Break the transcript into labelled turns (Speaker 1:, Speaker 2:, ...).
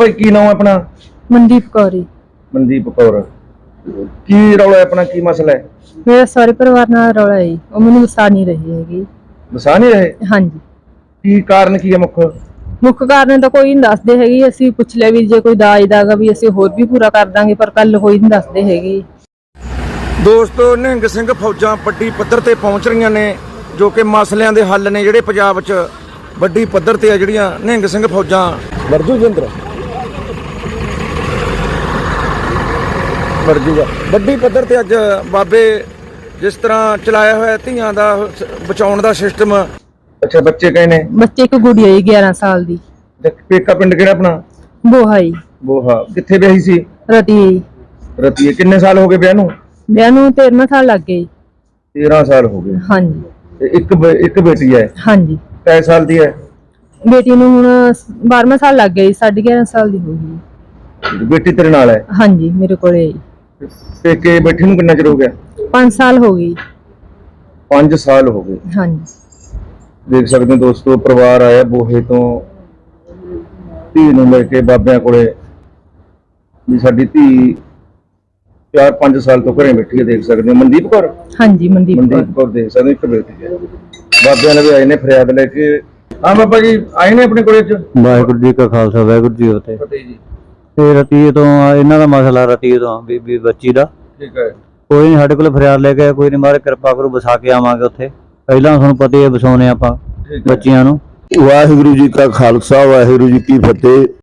Speaker 1: ਭਾਈ ਕੀ ਨਾਮ ਹੈ ਆਪਣਾ?
Speaker 2: ਮਨਦੀਪ ਕੌਰ ਜੀ।
Speaker 1: ਮਨਦੀਪ ਕੌਰ। ਕੀ ਰੌਲਾ ਹੈ ਆਪਣਾ, ਕੀ ਮਸਲਾ ਹੈ?
Speaker 2: ਮੇਰਾ ਸਾਰੇ ਪਰਿਵਾਰ ਨਾਲ ਰੌਲਾ ਹੈ ਜੀ। ਉਹ ਮੈਨੂੰ ਵਸਾ ਨਹੀਂ ਰਹੀ ਹੈਗੀ।
Speaker 1: ਵਸਾ ਨਹੀਂ ਰਹੇ?
Speaker 2: ਹਾਂਜੀ।
Speaker 1: ਕੀ ਕਾਰਨ ਕੀ ਹੈ
Speaker 2: ਮੁੱਖ ਕਾਰਨ ਤਾਂ ਕੋਈ ਨਹੀਂ ਦੱਸਦੇ ਹੈਗੇ। ਅਸੀਂ ਪੁੱਛ ਲਿਆ ਵੀ ਜੇ ਕੋਈ ਦਾਜ ਦਾਗਾ ਵੀ ਅਸੀਂ ਹੋਰ ਵੀ ਪੂਰਾ ਕਰ ਦਾਂਗੇ, ਪਰ ਕੱਲ ਕੋਈ ਨਹੀਂ ਦੱਸਦੇ ਹੈਗੇ।
Speaker 1: ਦੋਸਤੋ, ਨਿਹੰਗ ਸਿੰਘ ਫੌਜਾਂ ਵੱਡੀ ਪੱਧਰ ਤੇ ਪਹੁੰਚ ਰਹੀਆਂ ਨੇ, ਜੋ ਕਿ ਮਸਲਿਆਂ ਦੇ ਹੱਲ ਨੇ ਜਿਹੜੇ ਪੰਜਾਬ 'ਚ ਵੱਡੀ ਪੱਧਰ ਤੇ ਆ। ਜਿਹੜੀਆਂ ਨਿਹੰਗ ਸਿੰਘ ਫੌਜਾਂ ਵਰਜੂਗਾ ਵੱਡੀ ਪੱਧਰ ਤੇ ਅੱਜ ਬਾਬੇ ਜਿਸ ਤਰ੍ਹਾਂ ਚਲਾਇਆ ਹੋਇਆ ਧੀਆਂ ਦਾ ਬਚਾਉਣ ਦਾ ਸਿਸਟਮ। ਅੱਛਾ, ਬੱਚੇ ਕਹੇ ਨੇ?
Speaker 2: ਬੱਚੇ ਇੱਕ ਗੁੜੀਆ ਜੀ 11 ਸਾਲ ਦੀ।
Speaker 1: ਪੇਕਾ ਪਿੰਡ ਕਿਹੜਾ ਆਪਣਾ?
Speaker 2: ਬੋਹਾ ਜੀ।
Speaker 1: ਬੋਹਾ। ਕਿੱਥੇ ਵਿਆਹੀ ਸੀ?
Speaker 2: ਰਤੀਏ।
Speaker 1: ਰਤੀਏ। ਕਿੰਨੇ ਸਾਲ ਹੋ ਗਏ ਵਿਆਹ ਨੂੰ?
Speaker 2: ਵਿਆਹ ਨੂੰ 13 ਸਾਲ ਲੱਗ ਗਏ।
Speaker 1: 13 ਸਾਲ ਹੋ ਗਏ।
Speaker 2: ਹਾਂਜੀ।
Speaker 1: ਤੇ ਇੱਕ ਬੇਟੀ ਹੈ?
Speaker 2: ਹਾਂਜੀ।
Speaker 1: ਕਿੰਨੇ ਸਾਲ ਦੀ ਹੈ?
Speaker 2: ਬੇਟੀ ਨੂੰ ਹੁਣ 12ਵਾਂ ਸਾਲ ਲੱਗ ਗਿਆ ਜੀ। 11.5 ਸਾਲ ਦੀ ਹੋ ਗਈ।
Speaker 1: ਬੇਟੀ ਤੇਰੇ ਨਾਲ ਹੈ?
Speaker 2: ਹਾਂਜੀ, ਮੇਰੇ ਕੋਲੇ।
Speaker 1: ਪੇਕੇ ਬੈਠੀ ਨੂੰ ਕਿੰਨਾ ਚਿਰ ਹੋ ਗਿਆ?
Speaker 2: 5 ਸਾਲ ਹੋ ਗਈ।
Speaker 1: 5 ਸਾਲ ਹੋ ਗਏ।
Speaker 2: ਹਾਂਜੀ।
Speaker 1: ਦੇਖ ਸਕਦੇ ਹੋ ਦੋਸਤੋ, ਪਰਿਵਾਰ ਆਇਆ ਬੋਹੇ ਤੋਂ ਧੀ ਨੂੰ ਲੈ ਕੇ ਬਾਬਿਆਂ ਕੋਲੇ ਵੀ ਸਾਡੀ ਧੀ 4-5 ਸਾਲ ਤੋਂ ਘਰੇ ਬੈਠੀ ਹੈ। ਦੇਖ ਸਕਦੇ ਹੋ ਮਨਦੀਪ ਕੌਰ।
Speaker 2: ਹਾਂਜੀ, ਮਨਦੀਪ
Speaker 1: ਕੌਰ। ਦੇਖ ਸਕਦੇ ਹੋ ਇੱਕ ਬੇਟੀ ਹੈ। ਬਾਬਿਆਂ ਨੇ ਵੀ ਆਏ ਨੇ ਫਰਿਆਦ ਲੈ ਕੇ। ਹਾਂ ਬਾਬਾ ਜੀ ਆਏ ਨੇ ਆਪਣੇ ਕੋਲੇ।
Speaker 3: ਵਾਹਿਗੁਰੂ ਜੀ ਕਾ ਖਾਲਸਾ, ਵਾਹਿਗੁਰੂ ਜੀ ਕੀ
Speaker 1: ਫਤਿਹ ਜੀ।
Speaker 3: ਤੇ ਰਤੀਏ ਤੋਂ ਇਹਨਾਂ ਦਾ ਮਸਲਾ, ਰਤੀਏ ਤੋਂ ਬੀਬੀ ਬੱਚੀ ਦਾ।
Speaker 1: ਠੀਕ ਹੈ।
Speaker 3: ਕੋਈ ਨਹੀਂ, ਸਾਡੇ ਕੋਲ ਫਰਿਆਦ ਲੈ ਕੇ ਕੋਈ ਨਹੀਂ, ਮਾਰੇ ਕਿਰਪਾ ਕਰੂ ਵਸਾ ਕੇ ਆਵਾਂਗੇ ਉੱਥੇ। ਪਹਿਲਾਂ ਤੁਹਾਨੂੰ ਪਤਾ ਹੀ ਹੈ ਵਸਾਉਣੇ ਆਪਾਂ ਬੱਚਿਆਂ ਨੂੰ।
Speaker 4: ਵਾਹਿਗੁਰੂ ਜੀ ਕਾ ਖਾਲਸਾ, ਵਾਹਿਗੁਰੂ ਜੀ ਕੀ ਫਤਿਹ।